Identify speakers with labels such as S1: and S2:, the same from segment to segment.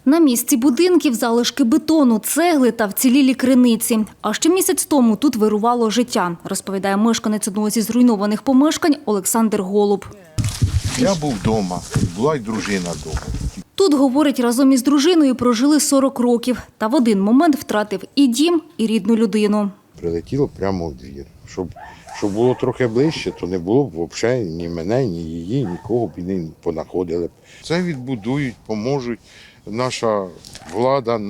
S1: На місці будинків залишки бетону, цегли та вцілілі криниці. А ще місяць тому тут вирувало життя, розповідає мешканець одного зі зруйнованих помешкань Олександр Голуб.
S2: Я був вдома, була й дружина вдома.
S1: Тут, говорить, разом із дружиною прожили 40 років. Та в один момент втратив і дім, і рідну людину.
S2: Прилетіло прямо в двір. Щоб було трохи ближче, то не було б взагалі ні мене, ні її, нікого б і не понаходили. Це відбудують, поможуть. Наша влада,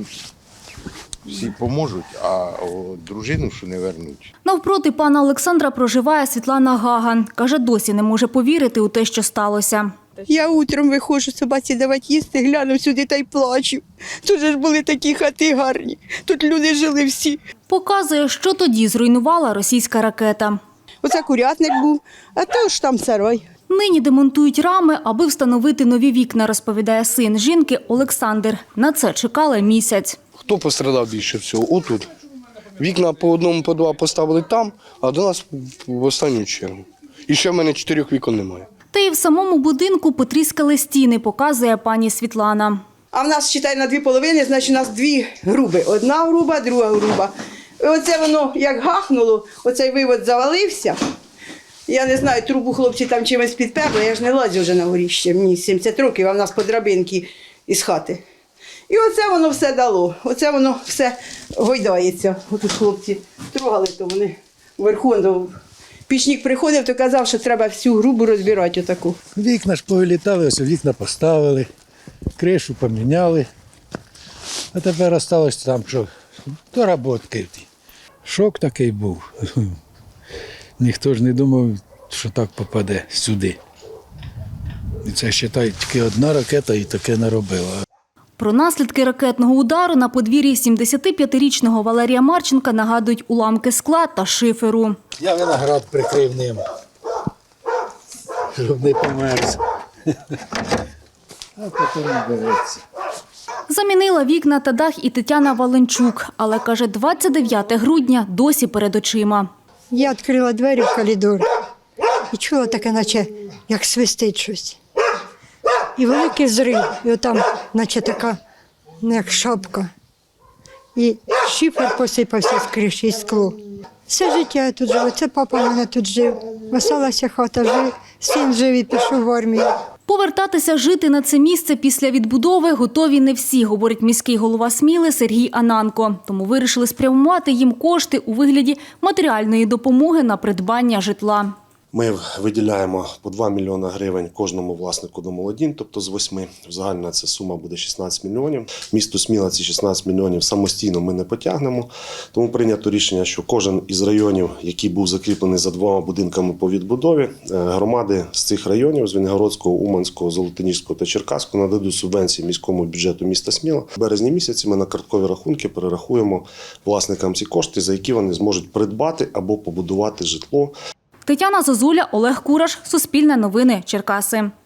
S2: всі поможуть, а дружину що не вернуть.
S1: Навпроти пана Олександра проживає Світлана Гаган. Каже, досі не може повірити у те, що сталося.
S3: Я утром виходжу собаці давати їсти, гляну сюди та й плачу. Тут же ж були такі хати гарні, тут люди жили всі.
S1: Показує, що тоді зруйнувала російська ракета.
S3: Оце курятник був, а то ж там сарай.
S1: Нині демонтують рами, аби встановити нові вікна, розповідає син жінки Олександр. На це чекали місяць.
S4: Хто пострадав більше всього? Отут. Вікна по одному, по два поставили там, а до нас в останню чергу. І ще в мене 4 вікон немає.
S1: Та й в самому будинку потріскали стіни, показує пані Світлана.
S3: А в нас, читай, на 2 половини, значить у нас 2 груби. Одна груба, друга груба. І оце воно як гахнуло, оцей вивод завалився. Я не знаю, трубу хлопці там чимось підперли, я ж не лазю вже на горіще, мені 70 років, а в нас по драбинки із хати. І оце воно все дало, оце воно все гойдається. Отут хлопці трогали, то вони вверху. Пічник приходив, то казав, що треба всю грубу розбирати отаку.
S5: Вікна ж повилітали, ось вікна поставили, кришу поміняли. А тепер залишилось там, що доработки. Шок такий був. Ніхто ж не думав, що так попаде сюди. І це, вважаю, тільки одна ракета і таке наробила.
S1: Про наслідки ракетного удару на подвір'ї 75-річного Валерія Марченка нагадують уламки скла та шиферу.
S5: Я виноград прикрив ним, щоб не померз. А потім береться.
S1: Замінила вікна та дах і Тетяна Валенчук, але, каже, 29 грудня досі перед очима.
S6: Я відкрила двері в коридор і чула таке, наче як свистить щось. І великий зрив, і отам, наче така, як шапка. І шифер посипався з криші, і скло. Все життя я тут жила, це папа в мене тут жив. Веселася хата, син жив і пішов в армію.
S1: Повертатися жити на це місце після відбудови готові не всі, говорить міський голова Сміли Сергій Ананко. Тому вирішили спрямувати їм кошти у вигляді матеріальної допомоги на придбання житла.
S7: Ми виділяємо по 2 мільйони гривень кожному власнику домолодінь, тобто з 8. Загальна ця сума буде 16 мільйонів. Місто Сміла ці 16 мільйонів самостійно ми не потягнемо. Тому прийнято рішення, що кожен із районів, який був закріплений за 2 будинками по відбудові, громади з цих районів, з Вінногородського, Уманського, Золотоніжського та Черкаського, нададуть субвенції міському бюджету міста Сміла. В березні місяці ми на карткові рахунки перерахуємо власникам ці кошти, за які вони зможуть придбати або побудувати житло.
S1: Тетяна Зозуля, Олег Кураш, Суспільне новини, Черкаси.